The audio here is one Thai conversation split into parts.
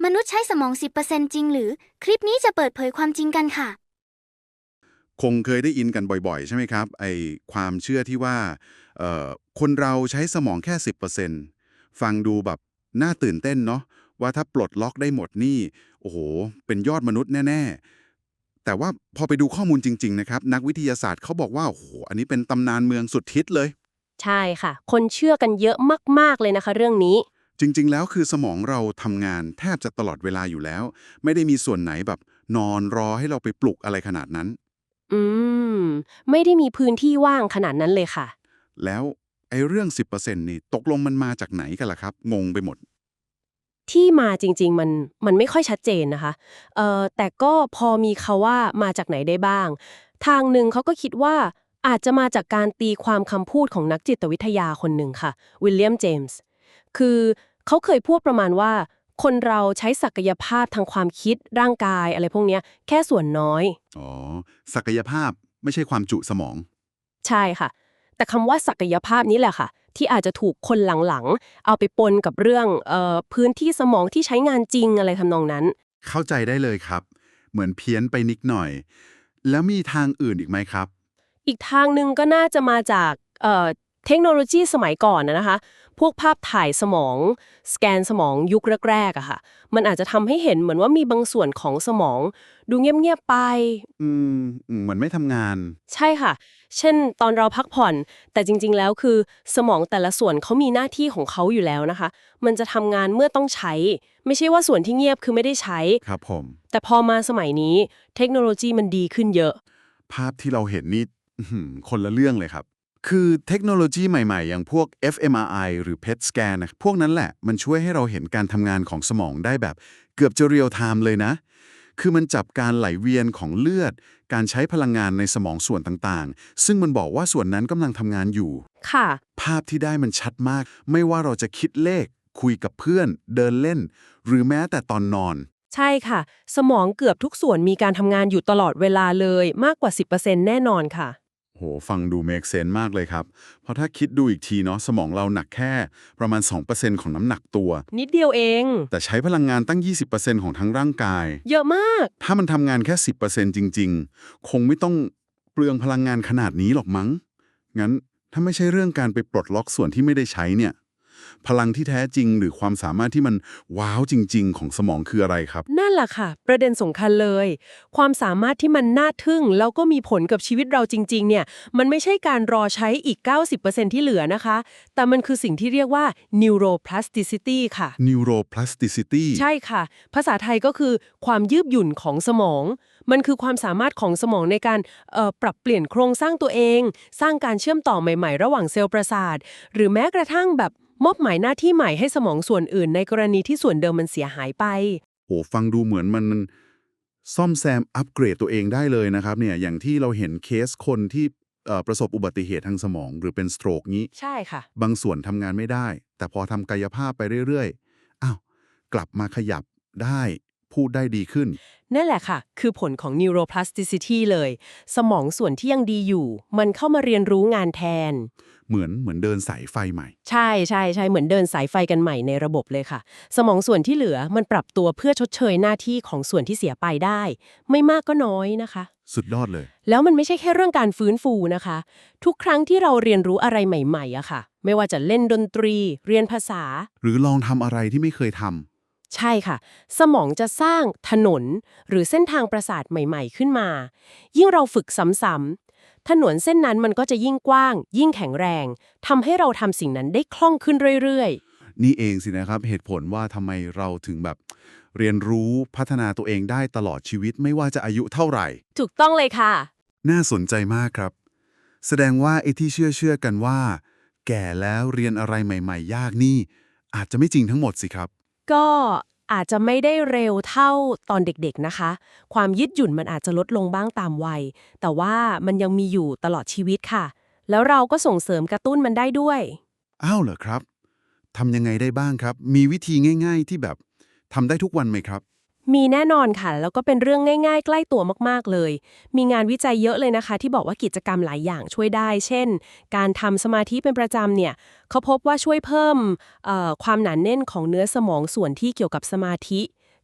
มนุษย์ใช้สมอง 10% จริงหรือ คลิปนี้จะเปิดเผยความจริงกันค่ะคงเคยได้ยินกันบ่อยๆใช่ไหมครับไอความเชื่อที่ว่าเอ่อคนเราใช้สมองแค่10%ฟังดูแบบน่าตื่นเต้นเนาะว่าถ้าปลดล็อกได้หมดนี่โอ้โหเป็นยอดมนุษย์แน่ๆแต่ว่าพอไปดูข้อมูลจริงๆนะครับนักวิทยาศาสตร์เขาบอกว่าโอ้โหอันนี้เป็นตำนานเมืองสุดฮิตเลยใช่ค่ะคนเชื่อกันเยอะมากๆเลยนะคะเรื่องนี้จริงๆแล้วคือสมองเราทำงานแทบจะตลอดเวลาอยู่แล้วไม่ได้มีส่วนไหนแบบนอนรอให้เราไปปลุกอะไรขนาดนั้นอืมไม่ได้มีพื้นที่ว่างขนาดนั้นเลยค่ะแล้วไอ้เรื่อง10%นี่ตกลงมันมาจากไหนกันล่ะครับงงไปหมดที่มาจริงๆมันไม่ค่อยชัดเจนนะคะแต่ก็พอมีคำว่ามาจากไหนได้บ้างทางหนึ่งเขาก็คิดว่าอาจจะมาจากการตีความคำพูดของนักจิตวิทยาคนหนึ่งค่ะวิลเลียมเจมส์คือเขาเคยพูดประมาณว่าคนเราใช้ศักยภาพทางความคิดร่างกายอะไรพวกเนี้ยแค่ส่วนน้อยอ๋อศักยภาพไม่ใช่ความจุสมองใช่ค่ะแต่คำว่าศักยภาพนี้แหละค่ะที่อาจจะถูกคนหลังๆเอาไปปนกับเรื่องพื้นที่สมองที่ใช้งานจริงอะไรทำนองนั้นเข้าใจได้เลยครับเหมือนเพี้ยนไปนิดหน่อยแล้วมีทางอื่นอีกไหมครับอีกทางหนึ่งก็น่าจะมาจากเทคโนโลยีสมัยก่อนนะคะพวกภาพถ่ายสมองสแกนสมองยุคแรกๆอะค่ะมันอาจจะทำให้เห็นเหมือนว่ามีบางส่วนของสมองดูเงียบๆไปอืมเหมือนไม่ทำงานใช่ค่ะ เช่นตอนเราพักผ่อน แต่จริงๆ แล้วคือสมองแต่ละส่วนเขามีหน้าที่ของเขาอยู่แล้วนะคะ มันจะทำงานเมื่อต้องใช้ ไม่ใช่ว่าส่วนที่เงียบคือไม่ได้ใช้ครับผมแต่พอมาสมัยนี้เทคโนโลยีมันดีขึ้นเยอะภาพที่เราเห็นนี่คนละเรื่องเลยครับ คือเทคโนโลยีใหม่ๆ อย่างพวก fMRI หรือ PET scan นะพวกนั้นแหละ มันช่วยให้เราเห็นการทำงานของสมองได้แบบเกือบจะเรียลไทม์เลยนะ คือมันจับการไหลเวียนของเลือด การใช้พลังงานในสมองส่วนต่างๆ ซึ่งมันบอกว่าส่วนนั้นกำลังทำงานอยู่ค่ะภาพที่ได้มันชัดมาก ไม่ว่าเราจะคิดเลข คุยกับเพื่อน เดินเล่น หรือแม้แต่ตอนนอนใช่ค่ะ สมองเกือบทุกส่วนมีการทำงานอยู่ตลอดเวลาเลยมากกว่า 10%แน่นอนค่ะโหฟังดู make sense มากเลยครับ เพราะถ้าคิดดูอีกทีเนาะสมองเราหนักแค่ประมาณ 2%ของน้ำหนักตัวนิดเดียวเองแต่ใช้พลังงานตั้ง 20%ของทั้งร่างกายเยอะมากถ้ามันทำงานแค่ 10%จริงๆ คงไม่ต้องเปลืองพลังงานขนาดนี้หรอกมั้ง งั้นถ้าไม่ใช่เรื่องการไปปลดล็อกส่วนที่ไม่ได้ใช้เนี่ย พลังที่แท้จริงหรือความสามารถที่มันว้าวจริงๆของสมองคืออะไรครับนั่นแหละค่ะประเด็นสำคัญเลย ความสามารถที่มันน่าทึ่งแล้วก็มีผลกับชีวิตเราจริงๆเนี่ยมันไม่ใช่การรอใช้อีก 90%ที่เหลือนะคะ แต่มันคือสิ่งที่เรียกว่า neuroplasticity ค่ะ neuroplasticity ใช่ค่ะ ภาษาไทยก็คือความยืดหยุ่นของสมอง มันคือความสามารถของสมองในการปรับเปลี่ยนโครงสร้างตัวเอง สร้างการเชื่อมต่อใหม่ๆ ระหว่างเซลล์ประสาท หรือแม้กระทั่งแบบมอบหมายหน้าที่ใหม่ให้สมองส่วนอื่นในกรณีที่ส่วนเดิมมันเสียหายไปโหฟังดูเหมือนมันซ่อมแซมอัปเกรดตัวเองได้เลยนะครับเนี่ยอย่างที่เราเห็นเคสคนที่ประสบอุบัติเหตุทางสมองหรือเป็นสโตรกนี้ใช่ค่ะบางส่วนทำงานไม่ได้ แต่พอทำกายภาพไปเรื่อยๆอ้าวกลับมาขยับได้พูดได้ดีขึ้นนั่นแหละค่ะ คือผลของ neuroplasticity เลย สมองส่วนที่ยังดีอยู่ มันเข้ามาเรียนรู้งานแทนเหมือนเดินสายไฟใหม่ใช่ใช่ใช่เหมือนเดินสายไฟกันใหม่ในระบบเลยค่ะ สมองส่วนที่เหลือมันปรับตัวเพื่อชดเชยหน้าที่ของส่วนที่เสียไปได้ ไม่มากก็น้อยนะคะสุดยอดเลยแล้วมันไม่ใช่แค่เรื่องการฟื้นฟูนะคะ ทุกครั้งที่เราเรียนรู้อะไรใหม่ๆอะค่ะ ไม่ว่าจะเล่นดนตรี เรียนภาษาหรือลองทำอะไรที่ไม่เคยทใช่ค่ะ สมองจะสร้างถนนหรือเส้นทางประสาทใหม่ๆขึ้นมา ยิ่งเราฝึกซ้ำๆถนนเส้นนั้นมันก็จะยิ่งกว้าง ยิ่งแข็งแรงทำให้เราทำสิ่งนั้นได้คล่องขึ้นเรื่อยำนี่เองสินะครับเหตุผลว่าทำไมเราถึงแบบเรียนรู้พัฒนาตัวเองได้ตลอดชีวิตไม่ว่าจะอายุเท่าไหร่ๆ ถูกต้องเลยค่ะน่าสนใจมากครับ แสดงว่าไอ้ที่เชื่อกันว่า แก่แล้วเรียนอะไรใหม่ๆ ยากนี่ อาจจะไม่จริงทั้งหมดสิครับก็อาจจะไม่ได้เร็วเท่าตอนเด็กๆนะคะ ความยืดหยุ่นมันอาจจะลดลงบ้างตามวัย แต่ว่ามันยังมีอยู่ตลอดชีวิตค่ะ แล้วเราก็ส่งเสริมกระตุ้นมันได้ด้วยอ้าวเหรอครับทำยังไงได้บ้างครับ มีวิธีง่ายๆที่แบบทำได้ทุกวันไหมครับมีแน่นอนค่ะ แล้วก็เป็นเรื่องง่ายๆใกล้ตัวมากๆเลย มีงานวิจัยเยอะเลยนะคะ ที่บอกว่ากิจกรรมหลายอย่างช่วยได้ เช่น การทำสมาธิเป็นประจำเนี่ยเขาพบว่าช่วยเพิ่มความหนาแน่นของเนื้อสมองส่วนที่เกี่ยวกับสมาธิ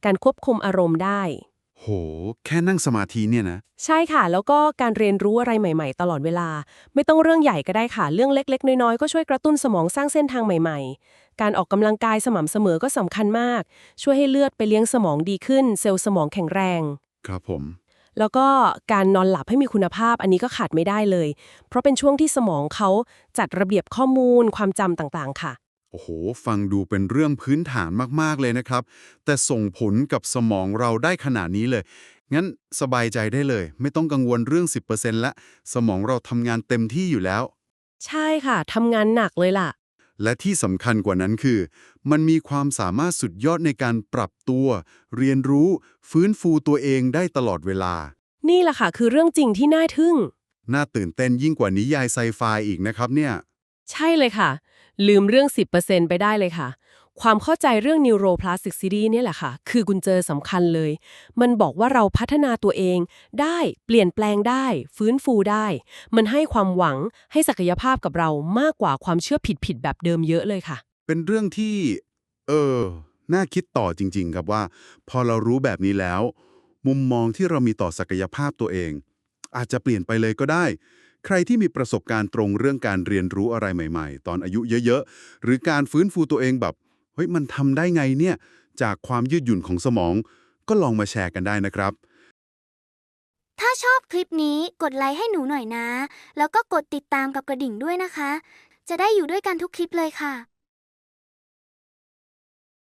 การควบคุมอารมณ์ได้โห แค่นั่งสมาธิเนี่ยนะใช่ค่ะ แล้วก็การเรียนรู้อะไรใหม่ๆตลอดเวลา ไม่ต้องเรื่องใหญ่ก็ได้ค่ะ เรื่องเล็กๆน้อยๆก็ช่วยกระตุ้นสมองสร้างเส้นทางใหม่ๆ การออกกำลังกายสม่ำเสมอก็สำคัญมาก ช่วยให้เลือดไปเลี้ยงสมองดีขึ้น เซลล์สมองแข็งแรงครับผมแล้วก็การนอนหลับให้มีคุณภาพอันนี้ก็ขาดไม่ได้เลย เพราะเป็นช่วงที่สมองเขาจัดระเบียบข้อมูลความจำต่างๆค่ะโอ้โห ฟังดูเป็นเรื่องพื้นฐานมากๆเลยนะครับ แต่ส่งผลกับสมองเราได้ขนาดนี้เลย งั้นสบายใจได้เลย ไม่ต้องกังวลเรื่อง 10%ละสมองเราทำงานเต็มที่อยู่แล้วใช่ค่ะทำงานหนักเลยล่ะและที่สำคัญกว่านั้นคือ มันมีความสามารถสุดยอดในการปรับตัว เรียนรู้ ฟื้นฟูตัวเองได้ตลอดเวลานี่แหละค่ะคือเรื่องจริงที่น่าทึ่งน่าตื่นเต้นยิ่งกว่านิยายไซไฟอีกนะครับเนี่ยใช่เลยค่ะ ลืมเรื่อง 10% ไปได้เลยค่ะ ความเข้าใจเรื่อง neuroplasticity เนี่ยแหละค่ะ คือกุญแจสำคัญเลย มันบอกว่าเราพัฒนาตัวเองได้เปลี่ยนแปลงได้ ฟื้นฟูได้ มันให้ความหวังให้ศักยภาพกับเรามากกว่าความเชื่อผิดๆแบบเดิมเยอะเลยค่ะเป็นเรื่องที่ เออ น่าคิดต่อจริงๆครับว่า พอเรารู้แบบนี้แล้ว มุมมองที่เรามีต่อศักยภาพตัวเอง อาจจะเปลี่ยนไปเลยก็ได้ ใครที่มีประสบการณ์ตรงเรื่องการเรียนรู้อะไรใหม่ๆ ตอนอายุเยอะๆ หรือการฟื้นฟูตัวเองแบบ เฮ้ย มันทำได้ไงเนี่ย จากความยืดหยุ่นของสมอง ก็ลองมาแชร์กันได้นะครับถ้าชอบคลิปนี้กดไลค์ให้หนูหน่อยนะ แล้วก็กดติดตามกับกระดิ่งด้วยนะคะ จะได้อยู่ด้วยกันทุกคลิปเลยค่ะ